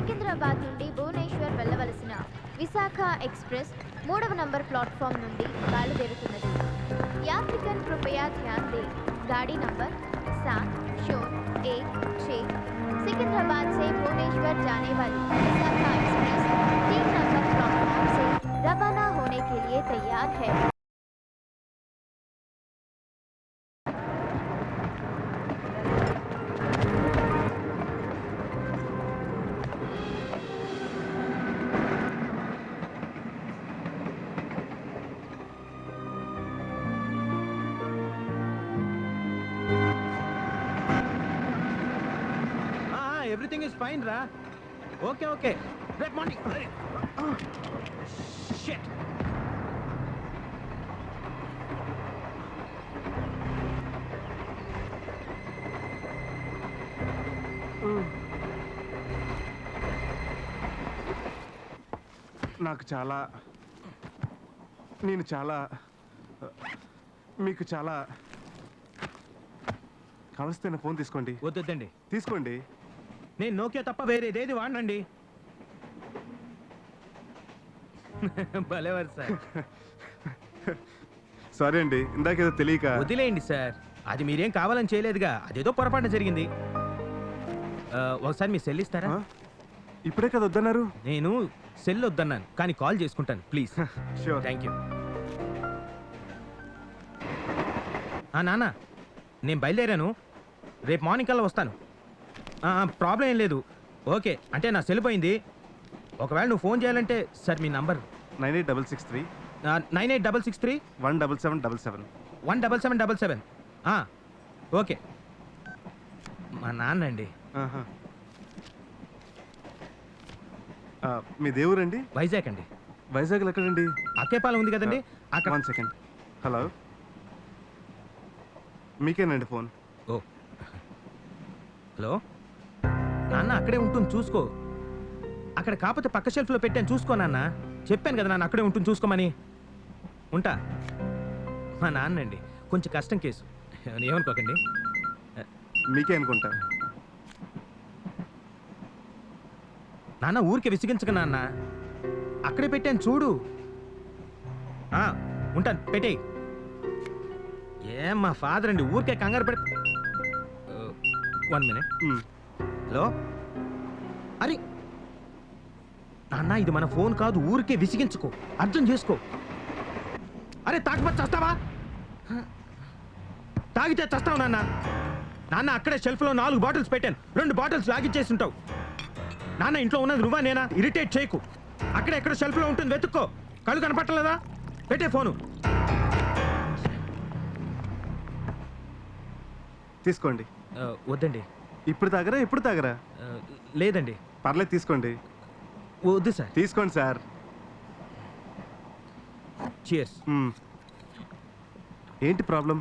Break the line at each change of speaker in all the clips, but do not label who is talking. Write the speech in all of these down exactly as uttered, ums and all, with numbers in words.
సికింద్రాబాద్ నుండి భువనేశ్వర్ వెళ్ళవలసిన విశాఖ ఎక్స్ప్రెస్ మూడవ నంబర్ ప్లాట్ఫామ్ నుండి బయలుదేరుతున్నది. यात्रिगण कृपया ध्यान दें, गाड़ी नंबर सात शून्य एक छः सिकंदराबाद से भुवनेश्वर जाने वाली विशाखा एक्सप्रेस तीन नंबर प्लेटफॉर्म से रवाना होने के लिए तैयार है.
Everything is fine, Ra. Okay, okay. Red morning. Oh, shit.
నాకు చాలా నేను చాలా మీకు చాలా కావలసిన ఫోన్ తీసుకోండి.
వద్దండి,
తీసుకోండి.
నేను నోకియా తప్ప వేరేదేది వాడనండి. భలేవారు సార్.
సారీ అండి, ఇందాకేదో తెలియక.
వదిలేయండి సార్, అది మీరేం కావాలని చేయలేదుగా, అదేదో పొరపాటు జరిగింది. ఒకసారి మీ సెల్ ఇస్తారా?
ఇప్పుడే కదా వద్దన్నారు.
నేను సెల్ వద్దన్నాను, కానీ కాల్ చేసుకుంటాను ప్లీజ్.
షూర్.
Thank you. నాన్న, నేను బయలుదేరాను, రేపు మార్నింగ్ కల్లా వస్తాను. ప్రాబ్లం ఏం లేదు. ఓకే, అంటే నా సెల్ పోయింది. ఒకవేళ నువ్వు ఫోన్ చేయాలంటే సార్ మీ number
nine eight double six three
nine eight double six three
one double seven double seven
one double seven double seven okay. మా నాన్న అండి.
మీ దేవురండి?
వైజాగ్ అండి.
వైజాగ్లో ఎక్కడండి?
అక్కేపాలెం ఉంది కదండి అక్కడ.
One second. హలో, మీకేనండి ఫోన్.
ఓ హలో నాన్న, అక్కడే ఉంటుంది చూసుకో. అక్కడ కాకపోతే పక్క షెల్ఫ్లో పెట్టాను చూసుకో నాన్న. చెప్పాను కదా నాన్న, అక్కడే ఉంటుంది చూసుకోమని. ఉంటా. మా నాన్న అండి, కొంచెం కష్టం కేసు, ఏమనుకోకండి.
మీకే అనుకుంటా.
నాన్న ఊరికే విసిగించక నాన్న, అక్కడే పెట్టాను చూడు. ఉంటాను, పెట్టేయి. ఏం మా ఫాదర్ అండి, ఊరికే కంగారు పెడ. One minute. హలో, అరే నాన్న, ఇది మన ఫోన్ కాదు, ఊరికే విసిగించుకో, అర్థం చేసుకో. అరే తాగబట్టి చస్తావా? తాగితే చస్తావు నాన్న. నాన్న అక్కడే షెల్ఫ్లో నాలుగు బాటిల్స్ పెట్టాను, రెండు బాటిల్స్ లాగిచ్చేసి ఉంటావు. నాన్న ఇంట్లో ఉన్నది నువ్వా నేనా? ఇరిటేట్ చేయకు. అక్కడే ఎక్కడ షెల్ఫ్లో ఉంటుంది, వెతుక్కో. కళ్ళు కనపట్టలేదా? పెట్టే ఫోను.
తీసుకోండి.
వద్దండి.
ఇప్పుడు తాగరా? ఎప్పుడు తాగరా?
లేదండి.
పర్లేదు, తీసుకోండి.
వద్దు సార్.
తీసుకోండి సార్.
చియర్స్.
ఏంటి ప్రాబ్లం?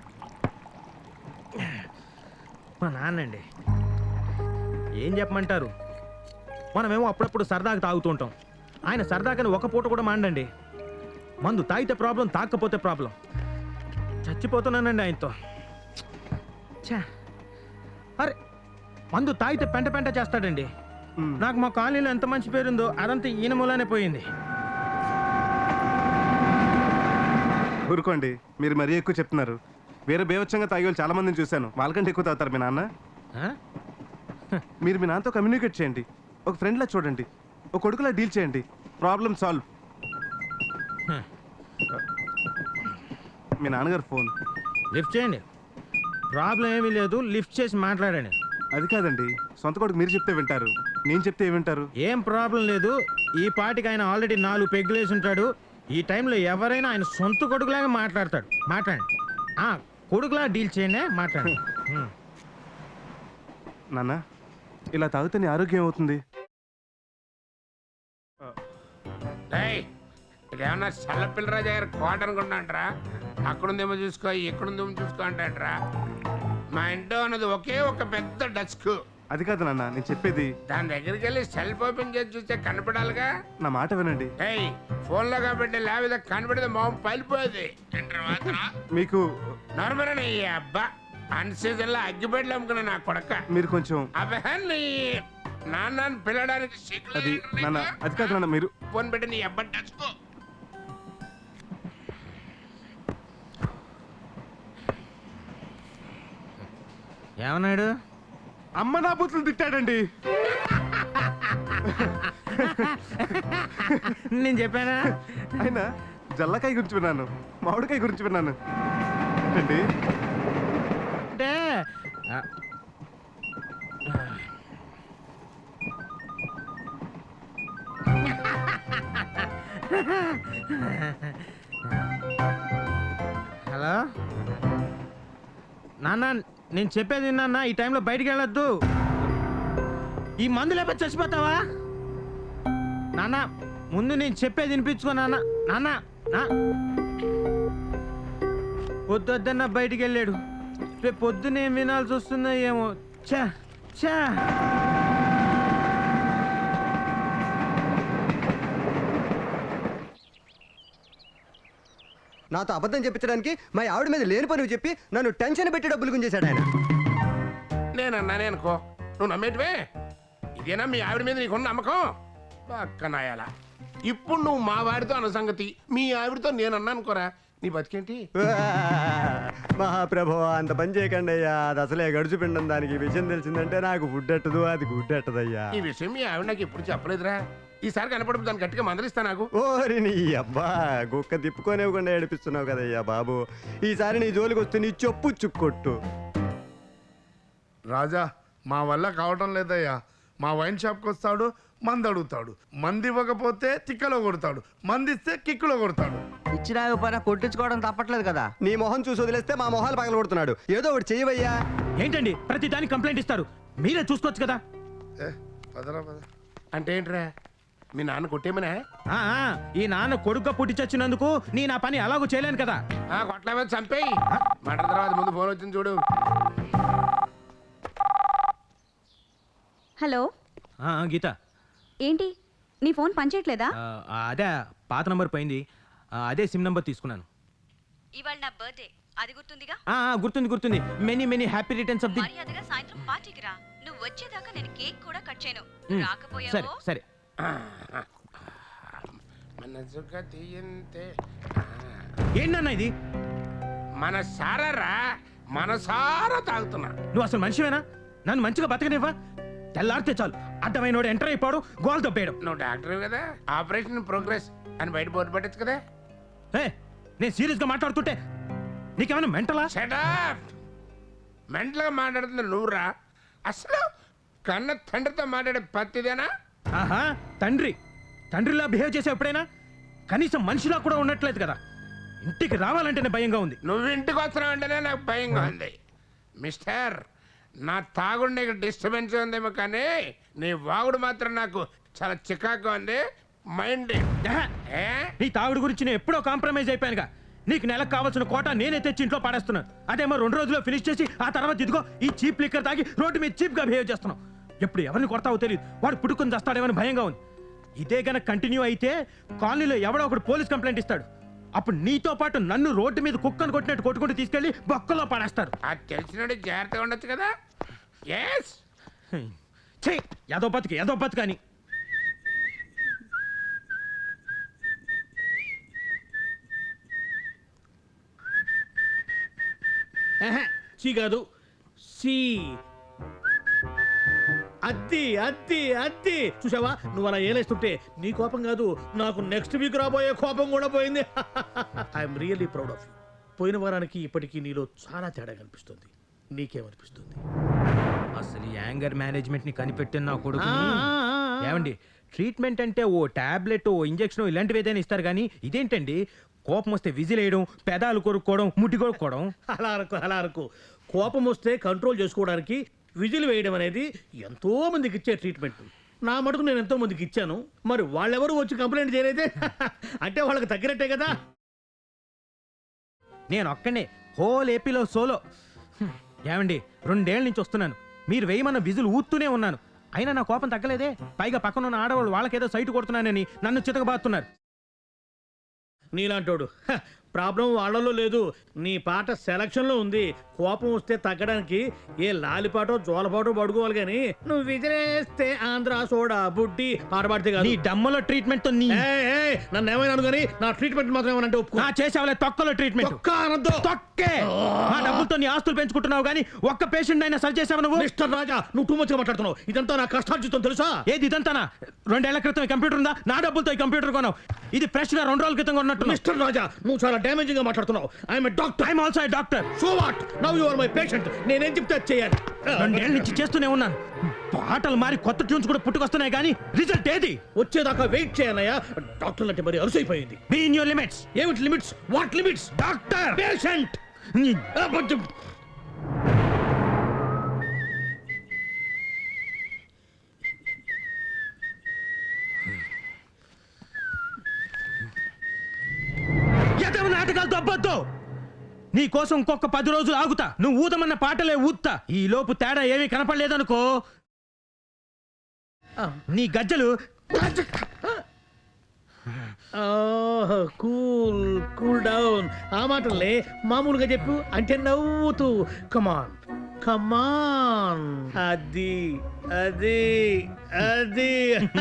మా నాన్నండి. ఏం చెప్పమంటారు, మనమేమో అప్పుడప్పుడు సరదాగా తాగుతూ ఉంటాం. ఆయన సరదాగానే ఒక పూట కూడా మాండండి. మందు తాగితే ప్రాబ్లం, తాగకపోతే ప్రాబ్లం. చచ్చిపోతున్నానండి ఆయనతో. అరే మందు తాగితే పెంట పెంట చేస్తాడండి. నాకు మా కాలనీలో ఎంత మంచి పేరుందో అదంతా ఈయన మూలానే పోయింది.
ఊరుకోండి, మీరు మరీ ఎక్కువ చెప్తున్నారు. వేరే బేవచ్చంగా తాగే వాళ్ళు చాలా మందిని చూశాను, వాళ్ళకంటే ఎక్కువ తాగుతారు మీ నాన్న. మీరు మీ నాన్నతో కమ్యూనికేట్ చేయండి, ఒక ఫ్రెండ్లా చూడండి, ఒక కొడుకులా డీల్ చేయండి, ప్రాబ్లం సాల్వ్. మీ నాన్నగారు ఫోన్
లిఫ్ట్ చేయండి. ప్రాబ్లం ఏమీ లేదు, లిఫ్ట్ చేసి మాట్లాడండి.
అది కాదండి, సొంత కొడుకు మీరు చెప్తే వింటారు, నేను చెప్తే ఏమింటారు?
ఏం ప్రాబ్లం లేదు. ఈ పాటికి ఆయన ఆల్రెడీ నాలుగు పెగ్గులేసి ఉంటాడు. ఈ టైంలో ఎవరైనా ఆయన సొంత కొడుకులాగా మాట్లాడతాడు. మాట్లాడండి. కొడుకులా డీల్ చేయండి, మాట్లాడండి.
నాన్న, ఇలా తాగితే నీ ఆరోగ్యం అవుతుంది.
ఇదేమన్నా చల్లపిల్లరాజు గారు కోట అనుకుంటాంట్రా? అక్కడుందేమో చూసుకో, ఇక్కడుందేమో చూసుకో అంటాంట్రా. మా ఇంట్లో ఉన్నది ఒకే ఒక పెద్ద డస్క్.
అది కాదు నాన్న, నేను చెప్పేది.
దాని దగ్గరికి వెళ్ళి సెల్ఫ్ ఓపెన్ చేసి చూస్తే కనపడాలిగా.
నా మాట వినండి.
ఏయ్, ఫోన్ లో కాబట్టి లేకపోతే కనపడితే మొహం పలిపోయేది.
మీకు
నార్మల్ అబ్బా అన్ సీజన్ లో అగ్గిపెట్లు అమ్ముకున్నా నా కొడక.
మీరు కొంచెం
అబ్బా నీ నాన్న పిల్లడానికి
అది నాన్న అది కాదు నాన్న మీరు
ఫోన్ పెట్టి నీ అబ్బాయి టచ్కో.
ఏమన్నాడు?
అమ్మ నా బూతులు తిట్టాడండి.
నేను చెప్పానా?
ఆయన జల్లకాయ గురించి విన్నాను, మామిడికాయ గురించి విన్నాను అండి.
అంటే ఆ, హలో నాన్న, నేను చెప్పేది విన్నా. ఈ టైంలో బయటికి వెళ్ళొద్దు. ఈ మందు లేకపోతే చచ్చిపోతావా నాన్న? ముందు నేను చెప్పేది వినిపించుకో నాన్న. నాన్న నా పొద్దున్న బయటికి వెళ్ళాడు. రేపు పొద్దున ఏం వినాల్సి వస్తుందో ఏమో. చా చా
నాతో అబద్ధం చెప్పించడానికి మా ఆవిడ మీద లేని పని చెప్పి నన్ను టెన్షన్ పెట్టి డబ్బులు గుంజేశాడు ఆయన.
నేనన్నానే అనుకో, నువ్వు నమ్మేటివే. ఇదేనా మీ ఆవిడ మీద నీకున్న నమ్మకం? పక్కనాయాల ఇప్పుడు నువ్వు మా వాడితో అన్న సంగతి మీ ఆవిడతో నేను అన్నా అనుకోరా, నీ బతికేంటి?
మహాప్రభు అంత పని చేయకండి అయ్యా. అది అసలే గడుచుపిండం. దానికి ఈ విషయం తెలిసిందంటే నాకు ఫుడ్ ఎట్టదు, అది గుడ్ ఎట్టదయ్యా.
ఈ విషయం మీ ఆవిడ నాకు ఎప్పుడు చెప్పలేదురా. ఈసారి కనపడదు దాన్ని గట్టిగా మందలిస్తా. నాకు
ఓరి నీ అబ్బా, కుక్క తిప్పుకోనివ్వకుండా ఏడిపిస్తున్నావు కదయ్యా బాబు. ఈసారి నీ జోలికి వస్తే నీ చెప్పు చుక్కొట్టు.
రాజా, మా వల్ల కావటం లేదయ్యా. మా వైన్ షాప్కి వస్తాడు, మంది అడుగుతాడు. మంది ఇవ్వకపోతే తిక్కలో కొడతాడు, మంది ఇస్తే కిక్కులో కొడతాడు.
ఇచ్చినా పైన కొట్టించుకోవడం తప్పట్లేదు కదా.
నీ మొహం చూసి వదిలేస్తే మా మొహాలు పగల కొడుతున్నాడు. ఏదో ఒకటి చెయ్యవయ్యా.
ఏంటండి ప్రతి దానికి కంప్లైంట్ ఇస్తారు? మీరే చూసుకోవచ్చు కదా.
ఏ పదరా పద.
అంటే ఏంట్రా, మీ నాన్న కొట్టేమనా?
ఆ, ఆ, ఈ నాన్న కొడుకు పుట్టి చచ్చినందుకు నీ నా పని అలాగూ చేయలేను కదా.
ఆ కొట్ల మీద చంపేయి. మాట తర్వాత ముందు ఫోన్ వచ్చింది చూడు.
హలో,
ఆ, ఆ, గీత,
ఏంటి నీ ఫోన్ పనిచేయట్లేదా?
ఆ, అదే పాత నంబర్ పోయింది. ఆ, అదే సిమ్ నంబర్ తీసుకున్నాను.
ఇవాళ నా బర్త్డే, అది గుర్తుందిగా?
ఆ, ఆ, గుర్తుంది గుర్తుంది. Many many happy returns of the.
మర్యాదగా సాయంత్రం పార్టీకి రా. నువ్వు వచ్చేదాకా నేను కేక్ కూడా కట్ చేయను.
సరే
రాకపోయావో
సరే.
మనసుగా తీయంతే.
ఏంటన్నా ఇది?
మన సారా మనసారా తాగుతున్నా.
నువ్వు అసలు మనిషివేనా? నన్ను మంచిగా బతకనివ్వా? తెల్లారితే చాలు అడ్డమైన ఎంటర్ అయిపోవడం, గోల్ తప్పేయడం.
నువ్వు డాక్టర్ కదా, ఆపరేషన్ ప్రోగ్రెస్ అని బయట బోర్డు పెట్టచ్చు కదా.
ఏ, నేను సీరియస్ గా మాట్లాడుతుంటే నీకేమైనా మెంటలా?
షటప్. మెంటల్గా మాట్లాడుతుంది నువ్వురా. అసలు కన్న తండ్రితో మాట్లాడే పత్తిదేనా?
ఆహా, తండ్రి తండ్రిలా బిహేవ్ చేసే ఎప్పుడైనా? కనీసం మనిషిలా కూడా ఉండట్లేదు కదా. ఇంటికి రావాలంటేనే భయంగా ఉంది.
నువ్వు ఇంటికి వస్తున్నావు అంటేనే నాకు భయంగా ఉంది. మిస్టర్, నా తాగుడు నీకు డిస్టర్బెన్స్ ఉందేమో కానీ నీ వాగుడు మాత్రం నాకు చాలా చికాకు ఉంది. మైండ్
ఆహా,
ఏ
నీ తాగుడు గురించి నేను ఎప్పుడో కాంప్రమైజ్ అయిపోయానుగా. నీకు నెలకు కావాల్సిన కోట నేనే తెచ్చి ఇంట్లో పాడేస్తున్నాను. అదేమో రెండు రోజుల్లో ఫినిష్ చేసి ఆ తర్వాత ఇదిగో ఈ చీప్ లిక్కర్ తాగి రోడ్డు మీద చీప్ గా బిహేవ్ చేస్తున్నావు. ఎప్పుడు ఎవరిని కొడతావో తెలియదు. వాడు పుట్టుకొని చేస్తాడేమని భయంగా ఉంది. ఇదే గనక కంటిన్యూ అయితే కాలనీలో ఎవడో ఒకడు పోలీస్ కంప్లైంట్ ఇస్తాడు. అప్పుడు నీతో పాటు నన్ను రోడ్డు మీద కుక్కను కొట్టినట్టు కొట్టుకుంటూ తీసుకెళ్లి బొక్కలో పడేస్తారు.
అది తెలిసినట్టు జాగ్రత్తగా ఉండొచ్చు కదా. ఎస్
ఛీ, ఏదో బతుకు ఏదో బతుకు అని.
సి కాదు సి. అద్ది అద్ది అద్ది చూసావా, నువ్వు అలా ఏలేస్తుంటే నీ కోపం కాదు, నాకు నెక్స్ట్ వీక్ రాబోయే కోపం కూడా పోయింది. I'm really proud of you. పోయిన వారానికి ఇప్పటికీ నీలో చాలా తేడా కనిపిస్తుంది. నీకేమనిపిస్తుంది?
అసలు ఈ యాంగర్ మేనేజ్మెంట్ ని కనిపెట్టిన నా కొడుకు.
ఆ, ఆ, ఆ.
ఏమండి, ట్రీట్మెంట్ అంటే ఓ టాబ్లెట్, ఓ ఇంజెక్షన్ ఇలాంటివి ఏదైనా ఇస్తారు కానీ ఇదేంటండి కోపం వస్తే విజిల్ వేయడం, పెదాలు కొరుక్కోవడం, ముట్టి కొరుక్కోవడం.
అలా అనుకో అలా అనుకో కోపం వస్తే కంట్రోల్ చేసుకోవడానికి విజిల్ వేయడం అనేది ఎంతో మందికి ఇచ్చే ట్రీట్మెంట్. నా మటుకు నేను ఎంతో మందికి ఇచ్చాను. మరి వాళ్ళెవరు వచ్చి కంప్లైంట్ చేయలేదే? అంటే వాళ్ళకి తగ్గినట్టే కదా.
నేను ఒక్కనే హోల్ ఏపీలో సోలో. హ్మ్, ఏమండి, రెండేళ్ల నుంచి వస్తున్నాను. మీరు వేయమన్న విజులు ఊత్తూనే ఉన్నాను. అయినా నా కోపం తగ్గలేదే. పైగా పక్కన ఉన్న ఆడవాళ్ళు వాళ్ళకేదో సైటు కొడుతున్నానని నన్ను చితకబాతున్నారు.
నీలాంటోడు హ, ప్రాబ్లం వాళ్ళలో లేదు, నీ పాట సెలక్షన్ లో ఉంది. కోపం వస్తే తగ్గడానికి ఏ లాలిపాటో జోలపాటో పడుకోవాలి కానీ నువ్వు విజరేస్తే ఆంధ్ర సోడా బుడ్డి పాట పాడితే కాదు.
నీ డమ్మలో ట్రీట్మెంట్ తో నీ
ఏయ్, ఏయ్, నన్ను ఏమైనా అనుకోని నా ట్రీట్మెంట్ మాత్రం ఏమనంటే ఒప్పుకో.
నా చేసేవాళ్ళ తొక్కలో ట్రీట్మెంట్
ఒక్క అనొద్దు.
తొక్కే నా డబ్బులతో నీ ఆస్తులు పెంచుకుంటున్నావు కానీ ఒక్క పేషెంట్ అయినా సరి చేసావు నువ్వు.
మిస్టర్ రాజా, నువ్వు టూ మచ్ గా మాట్లాడుతున్నావు. ఇదంతా నా కష్టార్జితం తెలుసా?
ఏది ఇదంతానా? రెండేళ్ల క్రితం ఈ కంప్యూటర్ ఉందా? నా డబ్బులతో ఈ కంప్యూటర్ కొన్నావు. ఇది ఫ్రెష్ గా రెండు రోజుల క్రితం ఉన్నట్టు.
మిస్టర్ రాజా, నువ్వు చాలా డ్యామేజింగ్ గా మాట్లాడుతున్నావు. I'm doctor.
I'm also a doctor.
So what? Now you are my patient. నేనేం చెప్తే అది చేయాలి.
రెండేళ్ల నుంచి చేస్తూనే ఉన్నాను. పాటలు మారి కొత్త ట్యూన్స్ కూడా పుట్టుకొస్తున్నాయి కానీ రిజల్ట్ ఏది?
వచ్చేదాకా వెయిట్ చేయనయ్యా. డాక్టర్ అంటే మరి అలసైపోయింది.
Be in your limits.
ఏమిటి limits? What limits?
Doctor
patient.
ఎదవ నాటకాలు దొబ్బొద్దు. నీ కోసం ఇంకొక పది రోజులు ఆగుతా. నువ్వు ఊదమన్న పాటలే ఊత్తా. ఈ లోపు తేడా ఏమీ కనపడలేదనుకో, నీ గజ్జలు
కూల్ కూల్ డౌన్. ఆ మాటలే మామూలుగా చెప్పు అంటే నవ్వుతూ. కమాన్ కమాన్. అది అది అది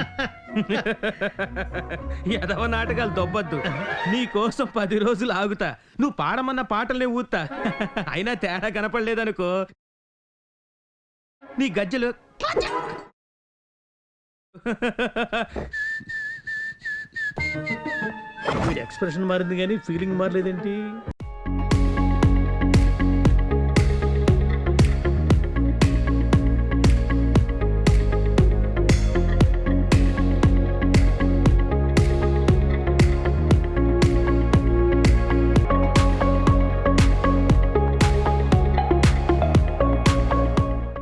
ఎదవ నాటకాలు దొబ్బొద్దు. నీ కోసం పది రోజులు ఆగుతా. నువ్వు పాడమన్న పాటలనే ఊత్తా. అయినా తేడా కనపడలేదనుకో, నీ గజ్జలు
వీడి ఎక్స్ప్రెషన్ మారింది కానీ ఫీలింగ్ మారలేదేంటి?